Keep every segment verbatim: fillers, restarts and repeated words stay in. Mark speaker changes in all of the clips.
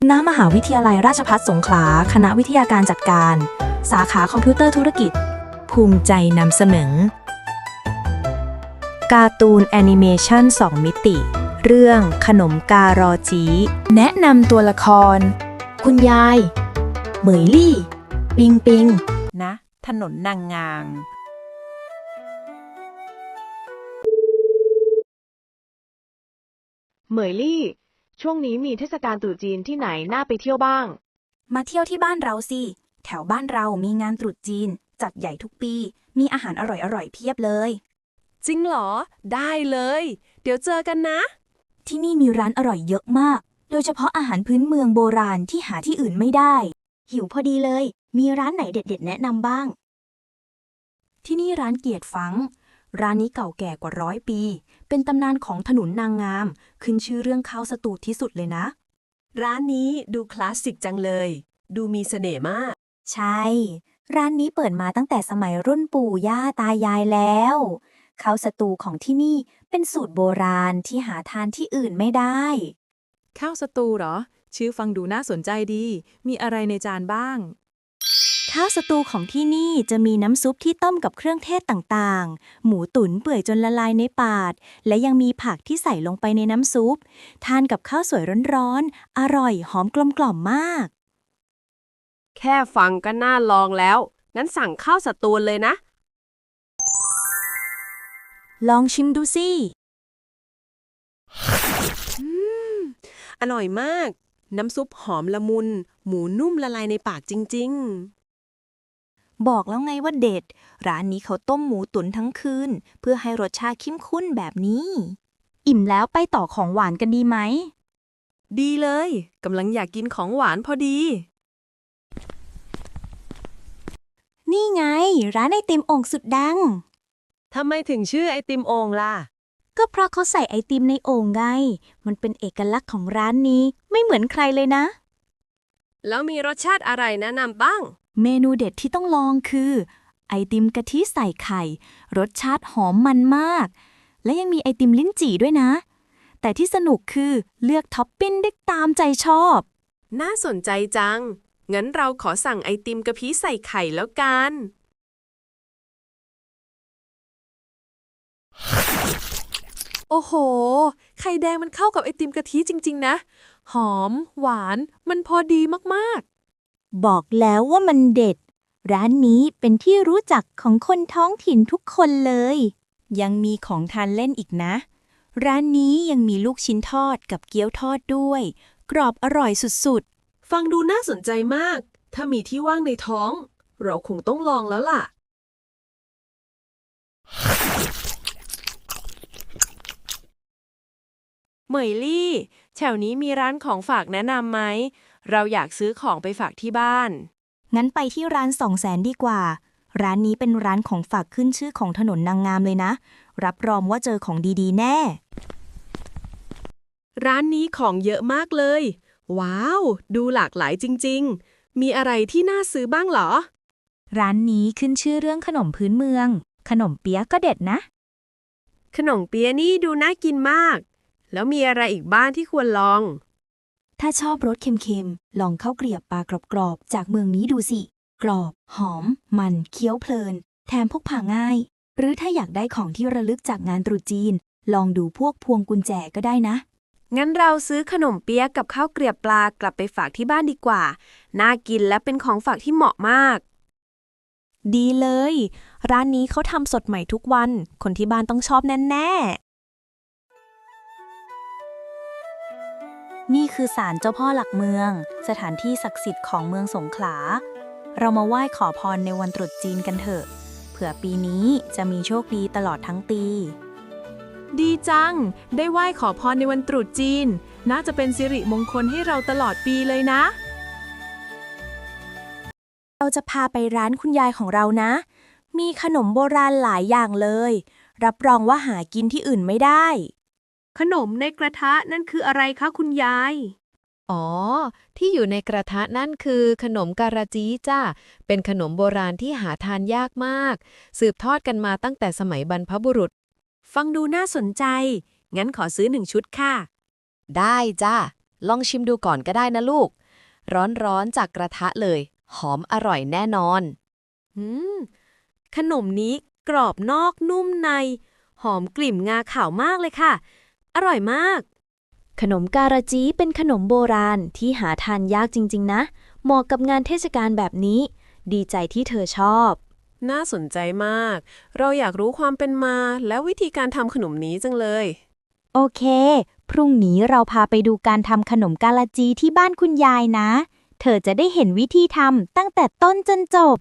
Speaker 1: ณมหาวิทยาลัยราชภัฏสงขลาคณะวิทยาการจัดการ สาขาคอมพิวเตอร์ธุรกิจ ภูมิใจนำเสนอ การ์ตูนแอนิเมชันสองมิติ เรื่องขนมการอจีแนะนำตัวละคร คุณยาย เหมยลี่ ปิงปิง
Speaker 2: นะ ถนนนางงาง
Speaker 3: เหมยลี่ ช่วงนี้มีเทศกาลตรุษจีนที่ไหนน่าไปเที่ยวบ้าง
Speaker 1: มาเที่ยวที่บ้านเราสิ แถวบ้านเรามีงานตรุษจีน จัดใหญ่ทุกปี มีอาหารอร่อยๆเพียบเลย
Speaker 4: จริงเหรอ ได้เลย เดี๋ยวเจอกันนะ
Speaker 1: ที่นี่มีร้านอร่อยเยอะมาก โดยเฉพาะอาหารพื้นเมืองโบราณที่หาที่อื่นไม่ได้ หิวพอดีเลย มีร้านไหนเด็ดๆแนะนำบ้าง ที่นี่ร้านเกียรติฟัง ร้านนี้เก่าแก่กว่าร้อยปี เป็นตำนานของถนนนางงาม ขึ้นชื่อเรื่องข้าวสตูที่สุดเลยนะ
Speaker 4: ร้านนี้ดูคลาสสิกจังเลย ดูมีเสน่ห์มาก
Speaker 1: ใช่ ร้านนี้เปิดมาตั้งแต่สมัยรุ่นปู่ย่าตายายแล้วข้าวสตูของที่นี่เป็นสูตรโบราณที่หาทานที่อื่นไม่ได้
Speaker 5: ข้าวสตูเหรอ ชื่อฟังดูน่าสนใจดี มีอะไรในจานบ้าง
Speaker 1: ข้าวสตูของที่นี่จะมีน้ำซุปที่ต้มกับเครื่องเทศต่างๆ หมูตุ๋นเปื่อยจนละลายในปาก และยังมีผักที่ใส่ลงไปในน้ำซุป ทานกับข้าวสวยร้อนๆ อร่อยหอมกลมกล่อมมาก
Speaker 3: แค่ฟังก็น่าลองแล้ว งั้นสั่งข้าวสตูลเลยนะ
Speaker 1: ลองชิมดูสิ
Speaker 4: อร่อยมาก น้ำซุปหอมละมุน หมูนุ่มละลายในปากจริง
Speaker 1: บอกแล้วไงว่าเด็ด ร้านนี้เขาต้มหมูตุ๋นทั้งคืน เพื่อให้รสชาติเข้มข้นแบบนี้ อิ่มแล้วไปต่อของหวานกันดีไหม
Speaker 4: ๆ ดีเลยกำลังอยากกินของหวานพอดี
Speaker 1: นี่ไง ร้านไอติมโอ่งสุดดัง
Speaker 4: ทำไมถึงชื่อไอติมโอ่งล่ะ
Speaker 1: ก็เพราะเขาใส่ไอติมในโอ่งไง มันเป็นเอกลักษณ์ของร้านนี้ไม่เหมือนใครเลยนะ
Speaker 4: แล้วมีรสชาติอะไรแนะนำบ้าง
Speaker 1: เมนูเด็ดที่ต้องลองคือ ไอติมกะทิใส่ไข่ รสชาติหอมมันมาก และยังมีไอติมลิ้นจี่ด้วยนะ แต่ที่สนุกคือเลือกท็อปปิ้งได้ตามใจชอบ
Speaker 4: น่าสนใจจัง งั้นเราขอสั่งไอติมกะทิใส่ไข่แล้วกัน โอ้โห ไข่แดงมันเข้ากับไอติมกะทิจริงๆนะ หอม หวาน มันพอดีมากๆ
Speaker 1: บอกแล้วว่ามันเด็ด ร้านนี้เป็นที่รู้จักของคนท้องถิ่นทุกคนเลย ยังมีของทานเล่นอีกนะ ร้านนี้ยังมีลูกชิ้นทอดกับเกี๊ยวทอดด้วย กรอบอร่อยสุด
Speaker 4: ฟังดูน่าสนใจมาก ถ้ามีที่ว่างในท้อง เราคงต้องลองแล้วล่ะ เหมยลี่ แถวนี้มีร้านของฝากแนะนำไหม เราอยากซื้อของไปฝากที่บ้าน
Speaker 1: ๆ งั้นไปที่ร้านสองแสนดีกว่า ร้านนี้เป็นร้านของฝากขึ้นชื่อของถนนนางงามเลยนะ รับรองว่าเจอของดีๆ แน่
Speaker 4: ร้านนี้ของเยอะมากเลย ว้าว ดูหลากหลายจริงๆ มีอะไรที่น่าซื้อบ้างเหรอ
Speaker 1: ร้านนี้ขึ้นชื่อเรื่องขนมพื้นเมือง ขนมเปี๊ยะก็เด็ดนะ
Speaker 4: ขนมเปี๊ยะนี่ดูน่ากินมาก แล้วมีอะไรอีกบ้างที่ควรลอง
Speaker 1: ถ้าชอบรสเค็มๆ ลองข้าวเกรียบปลากรอบๆ จากเมืองนี้ดูสิ กรอบ หอม มันเคี้ยวเพลิน แถมพกพาง่าย หรือถ้าอยากได้ของที่ระลึกจากงานตรุษจีน ลองดูพวกพวงกุญแจก็ได้นะ
Speaker 4: งั้นเราซื้อขนมเปี๊ยะกับข้าวเกรียบปลากลับไปฝากที่บ้านดีกว่า น่ากินและเป็นของฝากที่เหมาะมาก
Speaker 1: ดีเลย ร้านนี้เขาทำสดใหม่ทุกวัน คนที่บ้านต้องชอบแน่ๆ นี่คือศาลเจ้าพ่อหลักเมือง สถานที่ศักดิ์สิทธิ์ของเมืองสงขลา เรามาไหว้ขอพรในวันตรุษจีนกันเถอะ เผื่อปีนี้จะมีโชคดีตลอดทั้งปี
Speaker 5: ดีจัง ได้ไหว้ขอพรในวันตรุษจีน น่าจะเป็นสิริมงคลให้เราตลอดปีเลยนะ
Speaker 1: เราจะพาไปร้านคุณยายของเรานะ มีขนมโบราณหลายอย่างเลย รับรองว่าหากินที่อื่นไม่ได้
Speaker 4: ขนมในกระทะนั่นคืออะไรคะคุณยาย
Speaker 6: อ๋อ ที่อยู่ในกระทะนั่นคือขนมการาจีจ้าเป็นขนมโบราณที่หาทานยากมาก สืบทอดกันมาตั้งแต่สมัยบรรพบุรุษ
Speaker 4: ฟังดูน่าสนใจ งั้นขอซื้อหนึ่งชุดค่ะ
Speaker 6: ได้จ้าลองชิมดูก่อนก็ได้นะลูก ร้อนๆจากกระทะเลย หอมอร่อยแน่นอน
Speaker 5: อืม ขนมนี้กรอบนอกนุ่มใน หอมกลิ่นงาขาวมากเลยค่ะ อร่อยมาก
Speaker 1: ขนมการาจีเป็นขนมโบราณที่หาทานยากจริงๆนะ เหมาะกับงานเทศกาลแบบนี้ ดีใจที่เธอชอบ
Speaker 4: น่าสนใจมาก เราอยากรู้ความเป็นมาและวิธีการทำขนมนี้จังเลย
Speaker 1: โอเค พรุ่งนี้เราพาไปดูการทำขนมกาลาจีที่บ้านคุณยายนะ เธอจะได้เห็นวิธีทำตั้งแต่ต้นจนจบ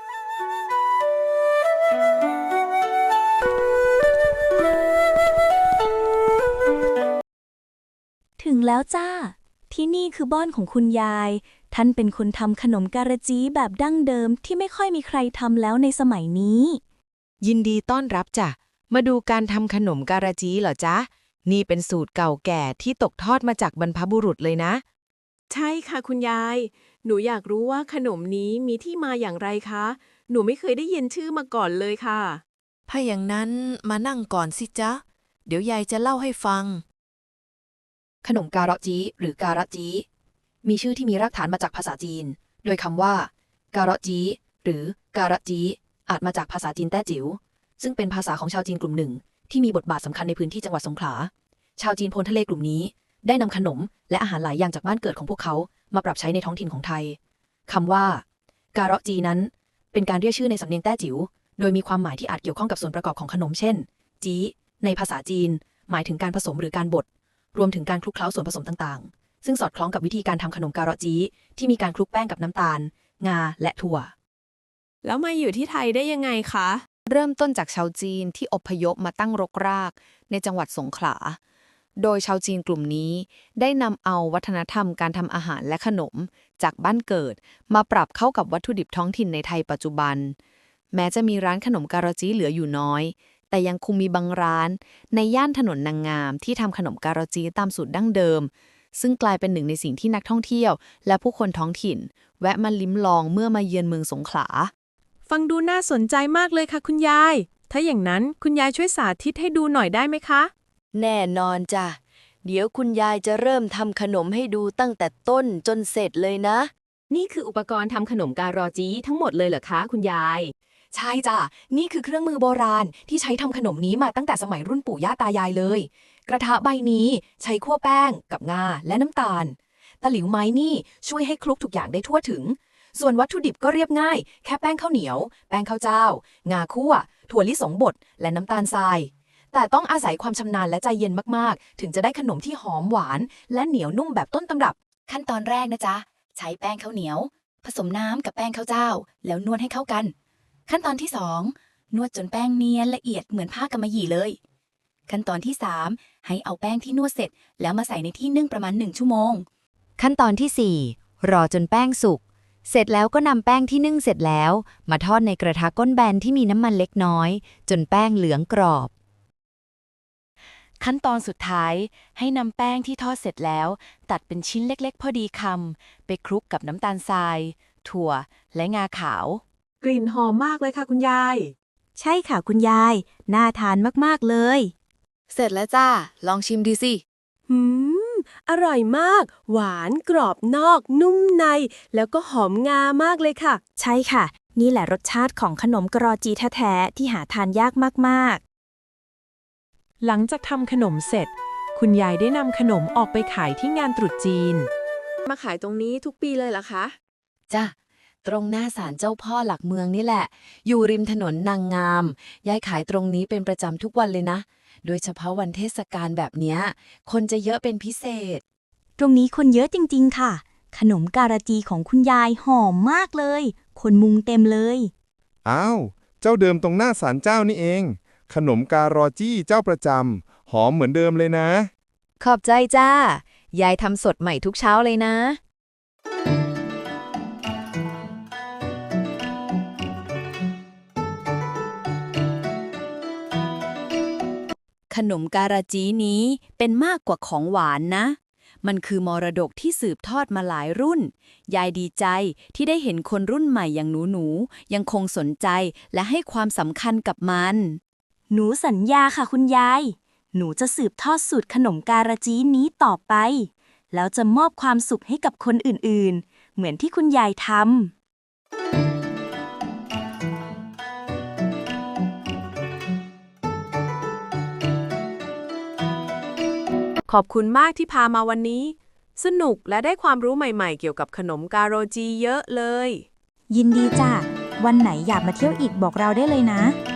Speaker 1: ถึงแล้วจ้า ที่นี่คือบ้านของคุณยาย ท่านเป็นคนทำขนมการาจีแบบดั้งเดิมที่ไม่ค่อยมีใครทำแล้วในสมัยนี้
Speaker 6: ยินดีต้อนรับจ้ะ มาดูการทำขนมการาจีเหรอจ๊ะ นี่เป็นสูตรเก่าแก่ที่ตกทอดมาจากบรรพบุรุษเลยนะ
Speaker 4: ใช่ค่ะคุณยาย หนูอยากรู้ว่าขนมนี้มีที่มาอย่างไรคะ หนูไม่เคยได้ยินชื่อมาก่อนเลยค่ะ
Speaker 5: ถ้าอย่างนั้นมานั่งก่อนสิจ๊ะ เดี๋ยวยายจะเล่าให้ฟัง
Speaker 7: ขนมการะจีหรือการะจีมีชื่อที่มีรากฐานมาจากภาษาจีน โดยคำว่า การะจีหรือการะจีอาจมาจากภาษาจีนแต้จิ๋วซึ่งเป็นภาษาของชาวจีนกลุ่มหนึ่งที่มีบทบาทสำคัญในพื้นที่จังหวัดสงขลา ชาวจีนโพนทะเลกลุ่มนี้ได้นำขนมและอาหารหลายอย่างจากบ้านเกิดของพวกเขามาปรับใช้ในท้องถิ่นของไทยคำว่า การะจีนั้นเป็นการเรียกชื่อในสำเนียงแต้จิ๋วโดยมีความหมายที่อาจเกี่ยวข้องกับส่วนประกอบของขนมเช่นจีในภาษาจีนหมายถึงการผสมหรือการบดรวมถึงการคลุกเคล้าส่วนผสมต่างๆ ซึ่งสอดคล้องกับวิธีการทำขนมการะจีที่มีการคลุกแป้งกับน้ำตาล งา และถั่ว
Speaker 4: แล้วมาอยู่ที่ไทยได้ยังไงคะ
Speaker 2: เริ่มต้นจากชาวจีนที่อพยพมาตั้งรกรากในจังหวัดสงขลา โดยชาวจีนกลุ่มนี้ได้นำเอาวัฒนธรรมการทำอาหารและขนมจากบ้านเกิดมาปรับเข้ากับวัตถุดิบท้องถิ่นในไทยปัจจุบัน แม้จะมีร้านขนมการะจีเหลืออยู่น้อย แต่ยังคงมีบางร้านในย่านถนนนางงามที่ทำขนมการะจีตามสูตรดั้งเดิม ซึ่งกลายเป็นหนึ่งในสิ่งที่นักท่องเที่ยวและผู้คนท้องถิ่น แวะมาลิ้มลองเมื่อมาเยือนเมืองสงขลา
Speaker 5: ฟังดูน่าสนใจมากเลยค่ะคุณยาย ถ้าอย่างนั้นคุณยายช่วยสาธิตให้ดูหน่อยได้ไหมคะ
Speaker 8: แน่นอนจ้ะ เดี๋ยวคุณยายจะเริ่มทำขนมให้ดูตั้งแต่ต้นจนเสร็จเลยนะ
Speaker 7: นี่คืออุปกรณ์ทำขนมการอจีทั้งหมดเลยเหรอคะคุณยาย ใช่จ้ะ นี่คือเครื่องมือโบราณที่ใช้ทำขนมนี้มาตั้งแต่สมัยรุ่นปู่ย่าตายายเลย กระทะใบนี้ใช้คั่วแป้งกับงาและน้ำตาล ตะหลิวไม้นี่ช่วยให้คลุกทุกอย่างได้ทั่วถึง ส่วนวัตถุดิบก็เรียบง่าย แค่แป้งข้าวเหนียว แป้งข้าวเจ้า งาคั่ว ถั่วลิสงบด และน้ำตาลทราย แต่ต้องอาศัยความชำนาญและใจเย็นมากๆ ถึงจะได้ขนมที่หอมหวาน และเหนียวนุ่มแบบต้นตำรับ ขั้นตอนแรกนะจ๊ะ ใช้แป้งข้าวเหนียว ผสมน้ำกับแป้งข้าวเจ้า แล้วนวดให้เข้ากัน ขั้นตอนที่สองนวดจนแป้งเนียนละเอียดเหมือนผ้ากำมะหยี่เลย ขั้นตอนที่สามให้เอาแป้งที่นวดเสร็จ แล้วมาใส่ในที่นึ่งประมาณหนึ่งชั่วโมง
Speaker 6: ขั้นตอนที่สี่รอจนแป้งสุก เสร็จแล้วก็นำแป้งที่นึ่งเสร็จแล้ว มาทอดในกระทะก้นแบนที่มีน้ำมันเล็กน้อย จนแป้งเหลืองกรอบ
Speaker 5: ขั้นตอนสุดท้ายให้นำแป้งที่ทอดเสร็จแล้ว ตัดเป็นชิ้นเล็กๆ พอดีคำไปคลุกกับน้ำตาลทราย ถั่ว และงาขาว
Speaker 4: กลิ่นหอมมากเลยค่ะคุณยาย
Speaker 1: ใช่ค่ะคุณยาย น่าทานมากๆเลย
Speaker 2: เสร็จแล้วจ้า ลองชิมดูสิ
Speaker 4: หืม อร่อยมาก หวานกรอบนอก นุ่มใน แล้วก็หอมงามากเลยค่ะ
Speaker 1: ใช่ค่ะ นี่แหละรสชาติของขนมกรอจีแท้ๆที่หาทานยากมากๆ
Speaker 5: หลังจากทำขนมเสร็จ คุณยายได้นำขนมออกไปขายที่งานตรุษจีน
Speaker 4: มาขายตรงนี้ทุกปีเลยเหรอคะ
Speaker 7: จ้ะ ตรงหน้าศาลเจ้าพ่อหลักเมืองนี่แหละ อยู่ริมถนนนางงาม ยายขายตรงนี้เป็นประจำทุกวันเลยนะ โดยเฉพาะวันเทศกาลแบบเนี้ย คนจะเยอะเป็นพิเศษ
Speaker 1: ตรงนี้คนเยอะจริงๆค่ะ ขนมการาจีของคุณยายหอมมากเลย คนมุงเต็มเลย
Speaker 9: อ้าว เจ้าเดิมตรงหน้าศาลเจ้านี่เอง ขนมการอจี้เจ้าประจำ หอมเหมือนเดิมเลยนะ
Speaker 6: ขอบใจจ้า ยายทำสดใหม่ทุกเช้าเลยนะ
Speaker 8: ขนมการาจีนี้เป็นมากกว่าของหวานนะ มันคือมรดกที่สืบทอดมาหลายรุ่น ยายดีใจที่ได้เห็นคนรุ่นใหม่อย่างหนูๆยังคงสนใจและให้ความสำคัญกับมัน
Speaker 1: หนูสัญญาค่ะคุณยาย หนูจะสืบทอดสูตรขนมการาจีนี้ต่อไปแล้วจะมอบความสุขให้กับคนอื่นๆ เหมือนที่คุณยายทำ
Speaker 3: ขอบคุณมากที่พามาวันนี้ สนุกและได้ความรู้ใหม่ๆ เกี่ยวกับขนมกาโรจีเยอะเลย
Speaker 1: ยินดีจ้ะ วันไหนอยากมาเที่ยวอีกบอกเราได้เลยนะ